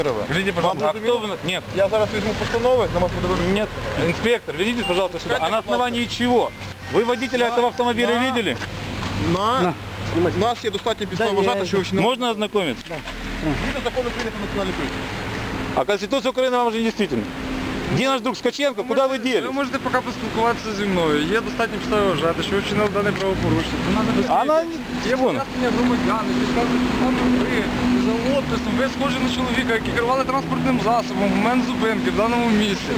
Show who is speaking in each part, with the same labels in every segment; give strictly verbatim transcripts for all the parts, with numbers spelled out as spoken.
Speaker 1: Видите, пожалуйста, а кто вы... Нет.
Speaker 2: Я зараз візьму постанови, на вас подивитися.
Speaker 1: Нет. Инспектор, ведите, пожалуйста, сюда. А на основании чего? Вы водителя этого автомобиля
Speaker 2: на...
Speaker 1: видели?
Speaker 2: На... У нас є достатньо підстав вважати, що ви вчинили.
Speaker 1: Можно ознакомиться?
Speaker 2: Згідно закону України про національну поліцію.
Speaker 1: А Конституция Украины вам же не действительно. Где наш друг Скаченко? Куда вы делись?
Speaker 3: Ви можете поки поспілкуватися зі мною. Є достатньо підстави вважати, що ви вчинили дане правопорушення. Це треба без
Speaker 1: Она...
Speaker 3: Є пояснення громадян, які скажуть, що там ви за описом, ви схожі на чоловіка, який керували транспортним засобом в момент зупинки в даному місці.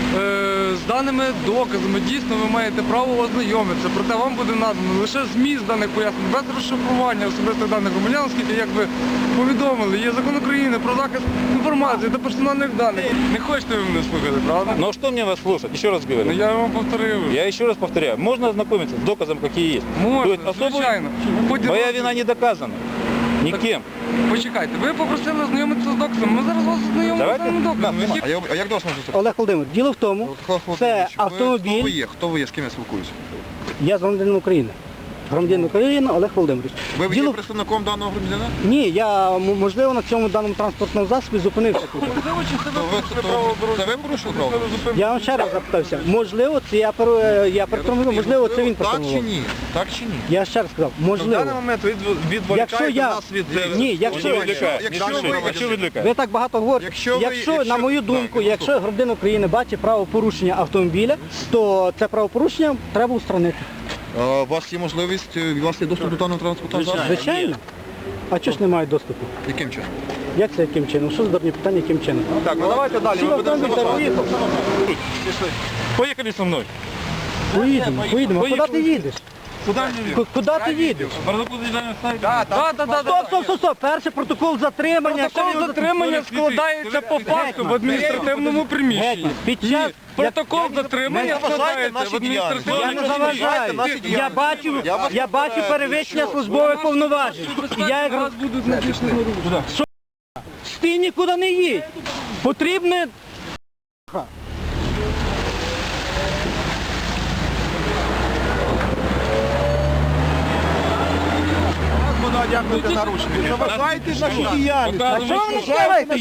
Speaker 3: Е, з даними доказами дійсно ви маєте право ознайомитися, проте вам буде надано лише зміст даних пояснень, без розшифрування особистих даних громадян, оскільки, як ви повідомили, є закон України про захист інформації та персональних даних. Не хочете ви мене слухати, правда?
Speaker 1: Ну что мне вас слушать? Еще раз говорю.
Speaker 3: Ну, я вам повторив.
Speaker 1: Я еще раз повторяю. Можно ознакомиться с доказом, какие есть?
Speaker 3: Можна,
Speaker 1: То есть особо...
Speaker 3: звичайно. Хоч
Speaker 1: Моя
Speaker 3: раз-
Speaker 1: вина не доказана. Никем.
Speaker 3: Почекайте, ви попросили ознайомитися з доказом, ми зараз вас ознайомимо з
Speaker 1: Давайте.
Speaker 3: даним доказом.
Speaker 1: На,
Speaker 3: Які-
Speaker 2: А, я, а як до вас можна
Speaker 4: Олег Володимир, діло в тому, це
Speaker 2: Хто ви
Speaker 4: автомобіль,
Speaker 2: є? Хто ви є? З ким я спілкуюся?
Speaker 4: я з громадянином України. Громадянин України Олег Володимирович.
Speaker 2: Ви є
Speaker 4: Діло...
Speaker 2: представником даного громадянина?
Speaker 4: Ні, я, м- можливо, на цьому даному транспортному засобі зупинився тут.
Speaker 3: Можливо, чи це
Speaker 2: То
Speaker 3: ви
Speaker 2: ви,
Speaker 3: порушили
Speaker 2: то,
Speaker 3: правила
Speaker 2: це ви порушили право?
Speaker 3: дорожнього
Speaker 4: Я вам ще раз запитався, можливо, це я, пере- я перетормозив, можливо, це він
Speaker 2: Так чи
Speaker 4: перетормозив.
Speaker 2: ні? Так чи ні?
Speaker 4: Я ще раз сказав,
Speaker 3: В даний
Speaker 4: можливо.
Speaker 3: момент ви
Speaker 4: Якщо
Speaker 3: відволікаєте
Speaker 4: я...
Speaker 3: нас від...
Speaker 4: Ні, якщо...
Speaker 1: Не відвлекає.
Speaker 2: якщо
Speaker 1: Не
Speaker 2: ви-
Speaker 1: слушай, а чого відвлекає?
Speaker 4: Ви так багато говорите.
Speaker 2: Якщо ви-
Speaker 4: Якщо,
Speaker 2: якщо-
Speaker 4: на мою думку,
Speaker 2: Так,
Speaker 4: якщо громадянин України бачить правопорушення автомобіля, то це правопорушення треба устранити.
Speaker 2: А, у вас є можливість, е, у вас є доступ до даного транспортного засобу?
Speaker 4: Звичайно. А чого ж немає доступу?
Speaker 2: Яким чином?
Speaker 4: Як це яким чином? Що за дурні питання, яким чином?
Speaker 1: Так, ну давайте далі.
Speaker 4: Всі автомобіль та поїхав.
Speaker 1: Поехали со мной.
Speaker 4: Поїдемо, поїдемо. А куди ти
Speaker 1: Поїхали.
Speaker 4: їдеш?
Speaker 1: Куда мне?
Speaker 4: Ку- Куди ти їдеш?
Speaker 1: Протокол задержания ставить?
Speaker 3: Так, так, так,
Speaker 4: Стоп, стоп, стоп, стоп. Перший протокол затримання.
Speaker 3: Протокол затримання складається по факту в адміністративному приміщенні.
Speaker 4: Гетьман, під час...
Speaker 3: Протокол затримання складається в
Speaker 4: Я
Speaker 3: адміністративному
Speaker 4: не заважаю. Я бачу, я бачу перевищення службових повноважень. І я як...
Speaker 3: Зараз будуть надійшли.
Speaker 4: Ти нікуди не їдь. Потрібне...
Speaker 2: Дякую за наручники. Заважайте нашу діяльність.
Speaker 4: А що ви не скажете?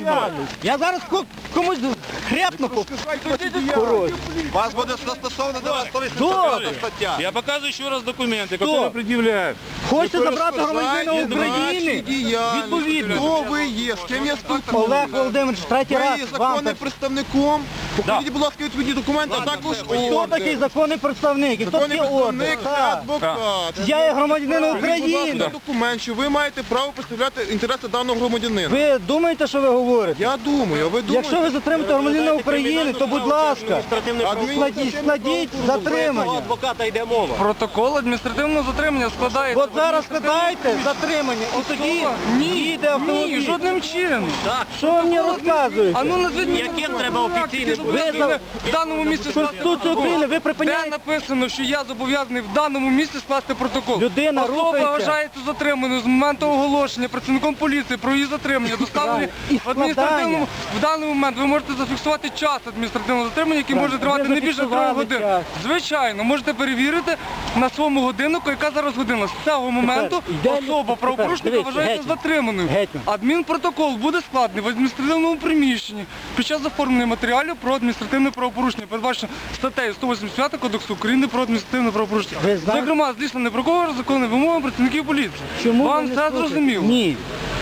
Speaker 4: Я зараз ко- комусь хряпну. Хорош.
Speaker 2: Вас буде застосовано до вас
Speaker 4: Добре.
Speaker 2: стаття.
Speaker 1: Я показываю еще раз документы, которые предъявляют.
Speaker 4: Хочете забрати громадянина України? Відповідно.
Speaker 2: Хто ви є? З ким я спілкуюся?
Speaker 4: Олег Володимирович, третій
Speaker 2: Ви
Speaker 4: раз
Speaker 2: є
Speaker 4: вам.
Speaker 2: законним представником. Покажіть, будь ласка, відповідні документи, а також
Speaker 4: Хто такий
Speaker 2: ордер.
Speaker 4: законний представник? І хто
Speaker 2: Законний
Speaker 4: такий ордер?
Speaker 2: представник це
Speaker 4: Так.
Speaker 2: адвокат.
Speaker 4: Я є громадянин
Speaker 2: Будь ласка,
Speaker 4: України.
Speaker 2: документ, що ви маєте право представляти інтереси даного громадянина.
Speaker 4: Ви думаєте, що ви говорите?
Speaker 2: Я думаю, а ви думаєте?
Speaker 4: Якщо ви затримаєте громадянина України, то будь ласка, складіть, складіть затримання.
Speaker 5: Адвоката йде мова.
Speaker 3: Протокол адміністративного затримання складається.
Speaker 4: От зараз складаєте затримання, і тоді
Speaker 3: Ні,
Speaker 4: їде
Speaker 3: ні,
Speaker 4: автомобіль.
Speaker 3: жодним чином.
Speaker 4: Що ви мені розказуєте?
Speaker 3: А ну назвіть мені
Speaker 5: Яким треба офіційним
Speaker 3: Ви за- в даному місці скласти
Speaker 4: Конституцію України ви
Speaker 3: Де
Speaker 4: припиняєте.
Speaker 3: написано, що я зобов'язаний в даному місці скласти протокол.
Speaker 4: Людина
Speaker 3: Особа
Speaker 4: рухається.
Speaker 3: вважається затриманою з моменту оголошення працівником поліції про її затримання, доставлені
Speaker 4: І
Speaker 3: в
Speaker 4: складання.
Speaker 3: адміністративному. В даний момент ви можете зафіксувати час адміністративного затримання, який
Speaker 4: Так,
Speaker 3: може
Speaker 4: ви
Speaker 3: тривати не більше трьох
Speaker 4: зафіксували
Speaker 3: годин.
Speaker 4: час.
Speaker 3: Звичайно, можете перевірити на своєму годиннику, яка зараз година. З цього моменту
Speaker 4: йде-
Speaker 3: особа
Speaker 4: тепер,
Speaker 3: правопорушника
Speaker 4: дивіться,
Speaker 3: вважається
Speaker 4: Гетьман.
Speaker 3: затриманою.
Speaker 4: Гетьман.
Speaker 3: Адмінпротокол буде складений в адміністративному приміщенні під час оформлення матеріалів про адміністративне правопорушення, передбачено статтею сто вісімдесят п'ять Кодексу України про адміністративне правопорушення.
Speaker 4: Ви знаєте-
Speaker 3: Зокрема, злісно непроковані законні вимоги працівників поліції.
Speaker 4: Чому ви
Speaker 3: Вам
Speaker 4: не
Speaker 3: все
Speaker 4: слухаєте?
Speaker 3: зрозуміло?
Speaker 4: Ні.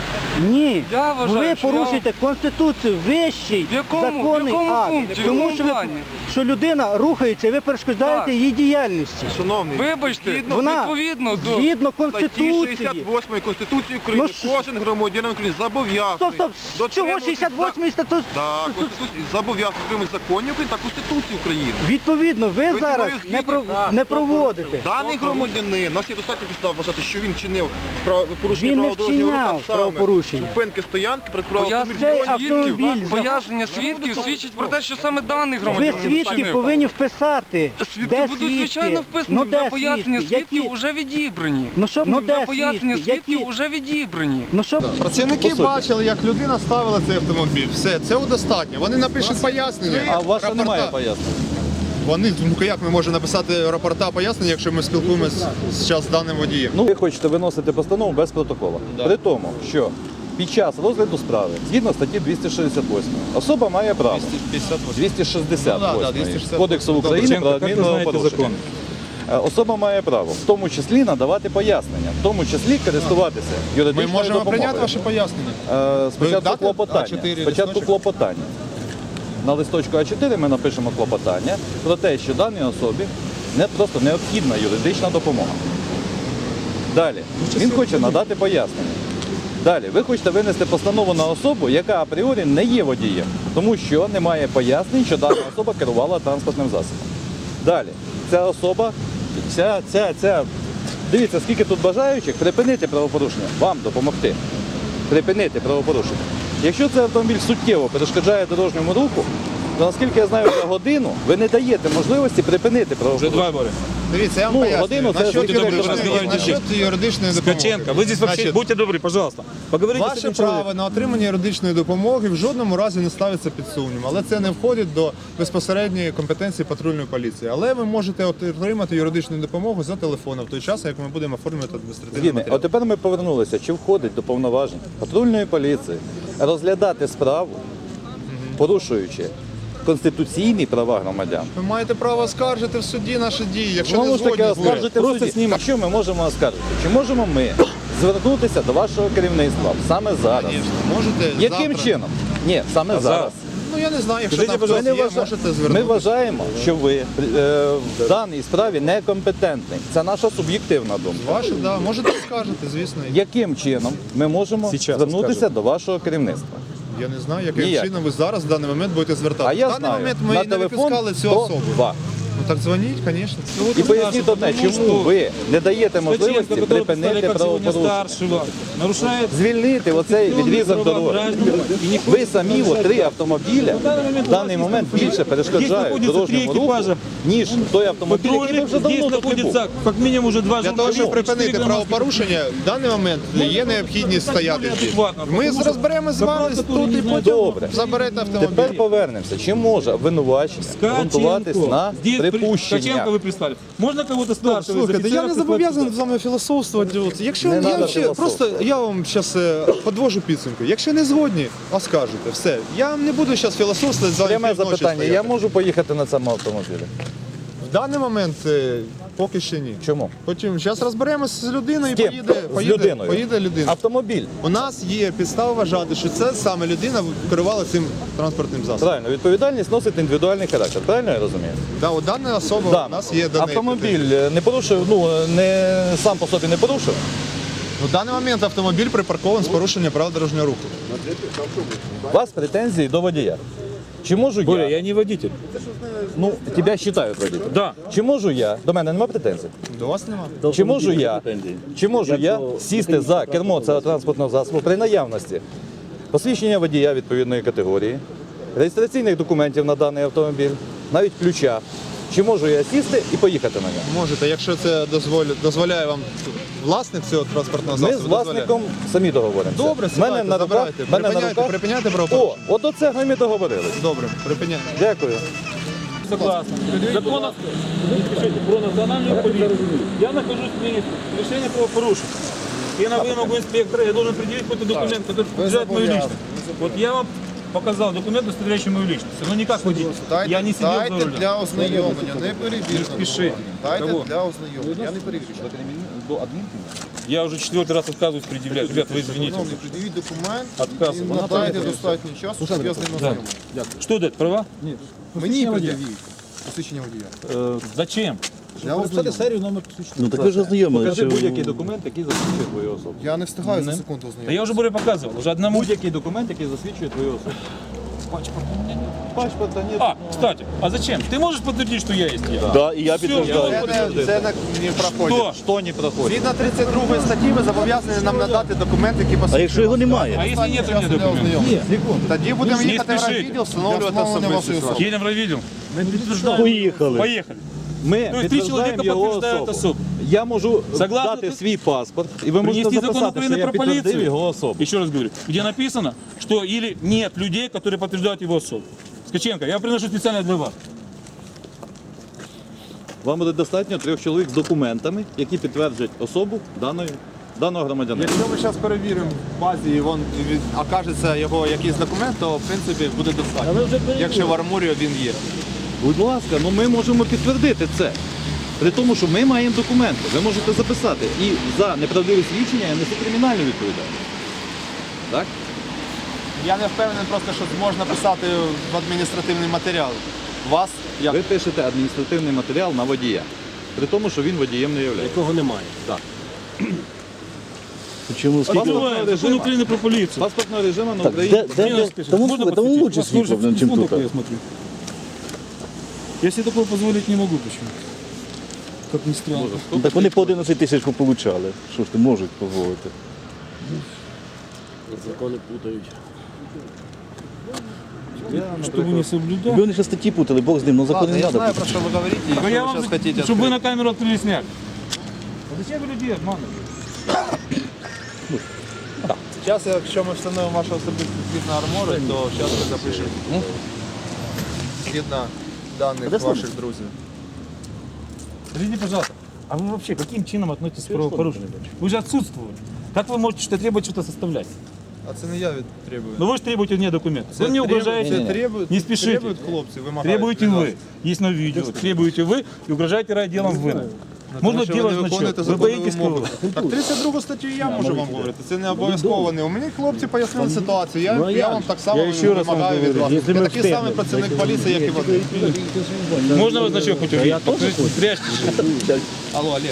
Speaker 4: Ні.
Speaker 3: Я вважаю,
Speaker 4: ви
Speaker 3: що
Speaker 4: порушуєте Конституцію, вищий
Speaker 3: В якому-
Speaker 4: законний
Speaker 3: в якому
Speaker 4: акт.
Speaker 3: пункті, в
Speaker 4: Тому
Speaker 3: якому
Speaker 4: що, ви,
Speaker 3: плані?
Speaker 4: що людина рухається, і ви перешкоджаєте
Speaker 3: Так.
Speaker 4: її діяльності.
Speaker 2: Шановний,
Speaker 3: Вибачте,
Speaker 4: Вона
Speaker 3: відповідно до
Speaker 4: згідно
Speaker 2: статті
Speaker 4: Конституції.
Speaker 2: шістдесят восьмої Конституції України
Speaker 4: Ну, що-
Speaker 2: кожен громадянин України зобов'язаний.
Speaker 4: Стоп, стоп, чого
Speaker 2: дотримуватись
Speaker 4: шістдесят восьмий статут?
Speaker 2: Так, Конституції зобов'язаний дотримуватись законів України та Конституції України.
Speaker 4: Відповідно, ви
Speaker 2: Ви
Speaker 4: зараз
Speaker 2: зі мною
Speaker 4: не, про,
Speaker 2: згідні? Так.
Speaker 4: не проводите.
Speaker 2: Даний громадянин, у нас є достатньо підстав вважати, що він чинив прав- порушення
Speaker 4: Він не
Speaker 2: правил дорожнього руху,
Speaker 4: вчиняв
Speaker 2: а саме
Speaker 4: правопорушення.
Speaker 2: зупинки стоянки перед правил
Speaker 3: Пояснення
Speaker 4: Цей
Speaker 2: автомобіля.
Speaker 4: автомобіль
Speaker 3: пояснення свідків свідчить про те, що саме даний
Speaker 4: Ви
Speaker 3: громадянин
Speaker 4: свідки
Speaker 3: вчинив.
Speaker 4: повинні вписати.
Speaker 3: Свідки
Speaker 4: Де
Speaker 3: будуть,
Speaker 4: свідки?
Speaker 3: звичайно, вписані.
Speaker 4: Ну
Speaker 3: Вже
Speaker 4: де
Speaker 3: пояснення
Speaker 4: свідки?
Speaker 3: свідків
Speaker 4: Які?
Speaker 3: вже відібрані.
Speaker 4: Ну що, ну
Speaker 3: Вже
Speaker 4: де
Speaker 3: пояснення
Speaker 4: свідки?
Speaker 3: свідків
Speaker 4: Які?
Speaker 3: вже відібрані.
Speaker 4: Ну що?
Speaker 6: Працівники бачили, як людина ставила цей автомобіль. Все, цього достатньо. Вони напишуть пояснення.
Speaker 5: А у вас
Speaker 6: рапорта.
Speaker 5: немає пояснень?
Speaker 6: Вони, ну як ми можемо написати рапорта пояснення, якщо ми спілкуємося зараз з даним водієм?
Speaker 5: Ну, ви хочете виносити постанову без протоколу. При тому, що
Speaker 7: під час розгляду справи, згідно статті двісті шістдесят вісім, особа має право двісті шістдесят
Speaker 6: Ну, да, да,
Speaker 7: вісім
Speaker 6: двісті шістдесят
Speaker 7: Кодексу
Speaker 6: Добре.
Speaker 7: України про
Speaker 1: Як ви знаєте
Speaker 7: адмінправопорушення. Е, Особа має право, в тому числі надавати пояснення, в тому числі користуватися
Speaker 6: Ми
Speaker 7: юридичною
Speaker 6: можемо
Speaker 7: допомогою.
Speaker 6: прийняти ваше пояснення.
Speaker 7: Е, Спочатку
Speaker 6: дати
Speaker 7: клопотання.
Speaker 6: А чотири
Speaker 7: Спочатку
Speaker 6: листочок?
Speaker 7: клопотання. На листочку А чотири ми напишемо клопотання про те, що даній особі не просто необхідна юридична допомога. Далі. Він хоче надати пояснення. Далі, ви хочете винести постанову на особу, яка апріорі не є водієм, тому що немає пояснень, що дана особа керувала транспортним засобом. Далі, ця особа, ця, ця, ця, дивіться, скільки тут бажаючих, припинити правопорушення, вам допомогти. Припинити правопорушення. Якщо цей автомобіль суттєво перешкоджає дорожньому руху, то наскільки я знаю, за годину ви не даєте можливості припинити правопорушення.
Speaker 6: Дивіться, я вам
Speaker 7: Ну,
Speaker 6: поясню.
Speaker 7: годину це
Speaker 6: Насчет
Speaker 7: скільки ви
Speaker 6: юридичної-
Speaker 1: розмовляєте?
Speaker 6: насчет юридичної допомоги.
Speaker 1: Ткаченко, вы здесь вообще,
Speaker 6: Значить,
Speaker 1: будьте добры, пожалуйста, поговорите с
Speaker 6: Ваше
Speaker 1: этим человеком.
Speaker 6: право на отримання юридичної допомоги в жодному разі не ставиться під сумнів, але це не входить до безпосередньої компетенції патрульної поліції. Але ви можете отримати юридичну допомогу за телефоном в той час, як ми будемо оформлювати адміністративний
Speaker 7: Згідний.
Speaker 6: матеріал.
Speaker 7: От тепер ми повернулися. Чи входить до повноважень патрульної поліції розглядати справу, порушуючи конституційні права громадян?
Speaker 6: Ви маєте право оскаржити в суді наші дії, якщо не
Speaker 7: Знову ж таки,
Speaker 6: згодні з ними.
Speaker 7: оскаржити в суді. А що ми можемо оскаржити? Чи можемо ми звернутися до вашого керівництва саме зараз?
Speaker 6: Звісно, можете
Speaker 7: Яким
Speaker 6: завтра.
Speaker 7: чином? Ні, саме зараз.
Speaker 6: Ну я не знаю, якщо
Speaker 7: Скажіть,
Speaker 6: там
Speaker 7: будь
Speaker 6: хтось
Speaker 7: ласка,
Speaker 6: є,
Speaker 7: ми вважа-
Speaker 6: можете
Speaker 7: Ми
Speaker 6: звернутися.
Speaker 7: вважаємо, що ви е, в даній справі некомпетентний. Це наша суб'єктивна думка.
Speaker 6: Ваше, да, можете оскаржити, звісно.
Speaker 7: Яким чином ми можемо
Speaker 1: Сейчас
Speaker 7: звернутися
Speaker 1: скажу.
Speaker 7: до вашого керівництва?
Speaker 6: Я не знаю, яким
Speaker 7: Ніяк.
Speaker 6: чином ви зараз в даний момент будете звертатися.
Speaker 7: А я
Speaker 6: в даний
Speaker 7: знаю,
Speaker 6: момент ми
Speaker 7: на
Speaker 6: не
Speaker 7: телефон
Speaker 6: випускали цю особу.
Speaker 7: сто два.
Speaker 6: Ну так дзвоніть, звісно.
Speaker 7: І поясніть одне, чому ви не даєте можливості припинити правопорушення?
Speaker 1: старшего, нарушает
Speaker 7: Звільнити оцей відрізок дороги. Ви самі от, три автомобіля в даний момент більше перешкоджають
Speaker 1: знаходяться
Speaker 7: дорожньому
Speaker 1: три
Speaker 7: руху,
Speaker 1: екіпажа.
Speaker 7: ніж той автомобіль, який ви
Speaker 1: патрульных.
Speaker 7: вже
Speaker 1: Здесь
Speaker 7: давно тут не був.
Speaker 1: находится как минимум уже два
Speaker 6: Для того, щоб припинити правопорушення, в даний момент є необхідність стояти. тут. Ми розберемо з вами тут і потім
Speaker 7: Добре.
Speaker 6: заберете автомобіль.
Speaker 7: Тепер повернемося. Чи може обвинувачення ґрунтуватись на припущення?
Speaker 1: Ткаченко вы прислали. Можно кого-то старшего из
Speaker 2: Слухайте, я
Speaker 1: офицеров
Speaker 2: не
Speaker 1: прислать
Speaker 2: зобов'язаний
Speaker 1: сюда?
Speaker 2: з вами філософствувати. От, Якщо
Speaker 7: Не
Speaker 2: я
Speaker 7: надо
Speaker 2: ще,
Speaker 7: філософствувати.
Speaker 2: просто я вам зараз подвожу підсумку. Якщо не згодні, оскаржуйте. Все. Я не буду зараз філософствувати з вами.
Speaker 7: Пряме
Speaker 2: півночі
Speaker 7: запитання.
Speaker 2: стояти.
Speaker 7: Я можу поїхати на цьому автомобілі?
Speaker 6: В даний момент е, поки ще ні.
Speaker 7: Чому?
Speaker 6: Потім зараз розберемося з людиною і
Speaker 7: З ким?
Speaker 6: поїде,
Speaker 7: З
Speaker 6: поїде,
Speaker 7: людиною.
Speaker 6: поїде людина.
Speaker 7: Автомобіль.
Speaker 6: У нас є підстава вважати, що це саме людина керувала цим транспортним засобом.
Speaker 7: Правильно, відповідальність носить індивідуальний характер. Правильно я розумію?
Speaker 6: Да, у даної особи
Speaker 7: Да.
Speaker 6: у нас є даний
Speaker 7: Автомобіль не порушив, ну не сам по собі не порушив.
Speaker 6: У даний момент автомобіль припаркований з порушенням правил дорожнього руху.
Speaker 7: У вас претензії до водія. Чи можу
Speaker 1: Боря,
Speaker 7: я?
Speaker 1: я не водитель.
Speaker 7: Ну, тебе вважають водителем.
Speaker 1: Да.
Speaker 7: Чи можу я? До мене немає претензій.
Speaker 6: До вас нема?
Speaker 7: Чи можу я? Чи можу я сісти за кермо цього транспортного засобу при наявності посвідчення водія відповідної категорії, реєстраційних документів на даний автомобіль, навіть ключа. Чи можу я сісти і поїхати на ньому?
Speaker 6: Можете, якщо це дозволяє, дозволяє вам власник цього транспортного
Speaker 7: Ми
Speaker 6: засобу.
Speaker 7: з власником самі договоримося.
Speaker 6: Добре,
Speaker 7: В мене
Speaker 6: сідайте,
Speaker 7: на руках,
Speaker 6: забирайте.
Speaker 7: в мене на
Speaker 6: Припиняйте,
Speaker 7: руках.
Speaker 6: припиняйте
Speaker 7: О,
Speaker 6: правопорушення.
Speaker 7: от до цього ми договорились.
Speaker 6: Добре, припиняйте.
Speaker 7: Дякую.
Speaker 1: Согласен. Закон о- Пишите, про национальную полицию. Я нахожусь в месте решения правопорушения. И на вымогу инспектора я должен предъявить какой-то документ, который подтверждает мою личность. Вот я вам показал документ, удостоверяющий мою личность. Но не как водитель. Я не сидел за
Speaker 6: дайте
Speaker 1: рулем.
Speaker 6: для ознайомлення, не перевірте.
Speaker 1: Спешите.
Speaker 6: Дайте
Speaker 1: Кого?
Speaker 6: для ознайомлення, я не перевірю.
Speaker 1: Я уже четвертый раз отказываюсь предъявлять. Ребят, вы извините.
Speaker 6: Шановні, пред'явіть документ
Speaker 1: Отказ.
Speaker 6: і надайте достатньо часу, щоб я з ним ознайомився.
Speaker 1: Что это, права?
Speaker 6: Мені пред'явіть посвідчення водія.
Speaker 1: Э, зачем?
Speaker 6: Я ознайомлю.
Speaker 8: Ну так ви ж ознайомили.
Speaker 7: Покажи
Speaker 8: що-
Speaker 7: будь-який документ, який засвідчує твою особу.
Speaker 6: Я не встигаю за
Speaker 1: Не.
Speaker 6: секунду
Speaker 1: Да
Speaker 6: ознайомитися.
Speaker 1: я уже более показывал. Уже одному.
Speaker 7: Будь-який документ, який засвідчує твою особу. Паспорта нет.
Speaker 1: А, кстати, а зачем? Ты можешь подтвердить, что я есть я?
Speaker 8: Да, і я
Speaker 1: Всё,
Speaker 8: підтверждаю.
Speaker 1: я
Speaker 6: Це не, це не, не проходить.
Speaker 1: Кто?
Speaker 7: Що не проходить?
Speaker 6: Згідно тридцять другої статті ви зобов'язані нам надати документ, який
Speaker 8: А
Speaker 6: посвідчує.
Speaker 8: якщо його
Speaker 1: А
Speaker 8: немає?
Speaker 1: если нет у меня
Speaker 6: Часу для
Speaker 1: документов?
Speaker 6: ознайомлення. Тоді будемо
Speaker 1: Не
Speaker 6: їхати в
Speaker 1: спішіть.
Speaker 6: райвідділ, встановлювати особистість особи.
Speaker 1: Едем в райвидел.
Speaker 8: Поїхали.
Speaker 1: Поехали.
Speaker 7: Ми
Speaker 1: Ну, і три
Speaker 7: підтверджуємо
Speaker 1: чоловіка
Speaker 7: його
Speaker 1: підтверджують
Speaker 7: особу.
Speaker 1: особу.
Speaker 7: Я можу
Speaker 1: Согласно
Speaker 7: дати
Speaker 1: ти-
Speaker 7: свій паспорт, і ви можете
Speaker 1: Принести закон
Speaker 7: записати, що
Speaker 1: Украины
Speaker 7: я
Speaker 1: про
Speaker 7: підтвердив
Speaker 1: полицию.
Speaker 7: його особу.
Speaker 1: Еще раз говорю, где написано, что или нет людей, которые подтверждают его особу. Скаченко, я приношу специально для вас.
Speaker 7: Вам буде достатньо трьох чоловік з документами, які підтверджують особу даної даного громадянина.
Speaker 6: Якщо ми зараз перевіримо в базі і він від- окажеться його якийсь документ, то в принципі буде достатньо. Якщо в армурі він є.
Speaker 7: Будь ласка, ну ми можемо підтвердити це. При тому, що ми маємо документи. Ви можете записати. І за неправдиве свідчення я несу кримінальну відповідальність. Так?
Speaker 6: Я не впевнений просто, що можна писати в адміністративний матеріал. Вас як
Speaker 7: Ви пишете адміністративний матеріал на водія. При тому, що він водієм не є.
Speaker 8: Якого немає.
Speaker 7: Так.
Speaker 8: Чому скільки?
Speaker 1: Открываем закон Украины про полицию.
Speaker 7: Паспортного режиму на
Speaker 8: Так,
Speaker 7: Україні.
Speaker 8: де, де, де, тому,
Speaker 1: Можно
Speaker 8: слухай, тому
Speaker 1: подсветить?
Speaker 8: лучше
Speaker 1: У вас лучше
Speaker 8: світло, ніж
Speaker 1: фон
Speaker 8: тут.
Speaker 1: такой, я смотрю. Я себе такого позволить не могу почему. Как ни странно.
Speaker 8: Ну, так вони по одинадцять тисяч получали. Що ж ти можуть дозволити?
Speaker 5: Закони путають.
Speaker 1: Чтобы не соблюдать.
Speaker 8: Якби вони ще статті путали, Бог з ним, ну закони
Speaker 6: Ладно,
Speaker 8: не
Speaker 6: я
Speaker 8: треба.
Speaker 6: знаю, про що ви говорите, і
Speaker 1: Да
Speaker 6: що
Speaker 1: я
Speaker 6: ви
Speaker 1: вам,
Speaker 6: зараз хотите.
Speaker 1: чтобы вы
Speaker 6: відкрити.
Speaker 1: на камеру открыли снег. А зачем вы людей обманываете?
Speaker 6: Зараз, якщо ми встановимо вашу особисту згідно армори, то зараз ви запишете. Згідно даних ваших друзів.
Speaker 1: Скажите, пожалуйста, а вы вообще каким чином относитесь к правопорушению? Вы же отсутствуете. Как вы можете что требовать что-то составлять?
Speaker 6: А це не я від требую.
Speaker 1: Ну вы же требуете мне документы.
Speaker 6: Це
Speaker 1: Вы мне
Speaker 6: требують-
Speaker 1: угрожаете.
Speaker 6: Це требують,
Speaker 1: Не спешите.
Speaker 6: требують хлопці, вимагають.
Speaker 1: Требуете
Speaker 6: від вас.
Speaker 1: вы. Есть на видео. Требуете вы и угрожаете райотделом вы. Можно
Speaker 6: Тому що ви
Speaker 1: делать
Speaker 6: не
Speaker 1: значок.
Speaker 6: виконуєте
Speaker 1: Вы
Speaker 6: законні
Speaker 1: боитесь
Speaker 6: вимоги.
Speaker 1: кого?
Speaker 6: Так тридцять другу статтю я можу вам говорити. Це не обов'язково. не. У мене хлопці пояснили ситуацію. Я, я вам так само
Speaker 1: Я ще раз вам
Speaker 6: вимагаю від
Speaker 1: говорю,
Speaker 6: вас. Я такий самий працівник поліції, як і вони.
Speaker 1: Можно вас значок хоть увидеть? Покажите, прячьте.
Speaker 6: Алло, Олег.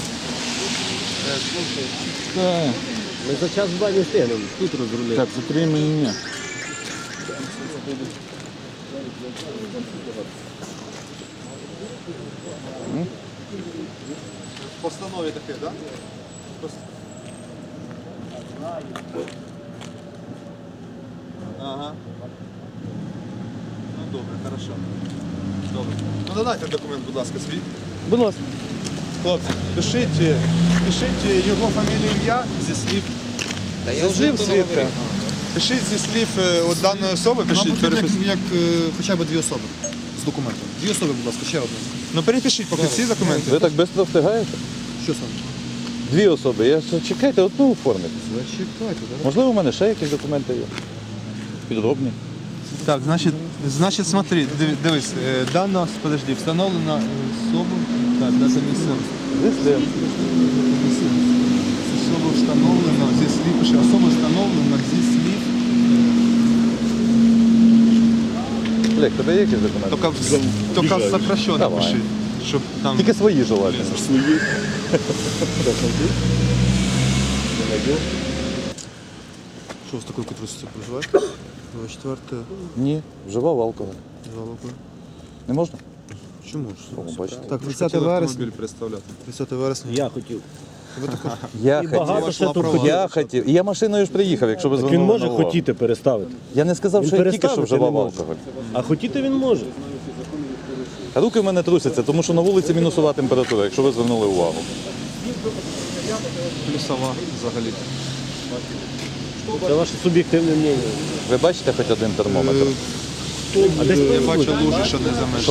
Speaker 5: Ми за час два не встигнемо. Тут розрулити.
Speaker 1: Так, закрой меня.
Speaker 6: В постанові таке, так? Ага. Ну добре, хорошо. Добре. Ну додайте документ, будь ласка, свій.
Speaker 8: Будь ласка.
Speaker 6: Хлопці, пишіть, пишіть його фамілію, ім'я зі слів. Та я вже свідка. Пишіть зі слів е, от даної особи, пишіть перепис-
Speaker 2: як хоча б дві особи з документом. Дві особи, будь ласка, ще одна.
Speaker 6: Ну перепишіть поки всі документи.
Speaker 7: Ви так швидко встигаєте?
Speaker 2: Що саме?
Speaker 7: Дві особи. Я ж- чекайте, одну оформити.
Speaker 2: Зачекайте, так?
Speaker 7: Можливо, у мене ще якісь документи є. Підробні.
Speaker 6: Так, значить, значить, смотри, диви- дивись, е, дана, подожди, встановлена особа, так, дата місцевості. Особа встановлена зі слів, пише, особа встановлена зі слів,
Speaker 7: Олег, тебе є якісь документи?
Speaker 6: тільки, в- тільки сокращено
Speaker 7: Давай.
Speaker 6: пиши, щоб там...
Speaker 7: Тільки свої желательно.
Speaker 2: Що з такою котрості проживає? двадцять четверте.
Speaker 7: Ні, вживав алкоголь. Не можна?
Speaker 2: Чому ж?
Speaker 7: О, бачите.
Speaker 2: Так, тридцяте вересня.
Speaker 6: Автомобіль представляти.
Speaker 2: тридцяте вересня.
Speaker 5: Я хотів.
Speaker 7: Я
Speaker 5: І
Speaker 7: хотів.
Speaker 5: багато ще тут
Speaker 7: Я
Speaker 5: хотів.
Speaker 7: хотів. І я машиною ж приїхав, якщо ви
Speaker 5: Він
Speaker 7: звернули
Speaker 5: може
Speaker 7: на увагу.
Speaker 5: хотіти переставити.
Speaker 7: Я не сказав,
Speaker 5: Він
Speaker 7: що я тільки що
Speaker 5: переставити
Speaker 7: вживав
Speaker 5: не може.
Speaker 7: алкоголь.
Speaker 5: А хотіти він може.
Speaker 7: А руки в мене трусяться, тому що на вулиці мінусова температура, якщо ви звернули увагу.
Speaker 6: Плюсова взагалі.
Speaker 5: Це ваше суб'єктивне мнення.
Speaker 7: Ви бачите хоч один термометр?
Speaker 5: А десь
Speaker 6: Я
Speaker 5: повинно
Speaker 6: бачу
Speaker 5: бути.
Speaker 6: лужи, що не замешані.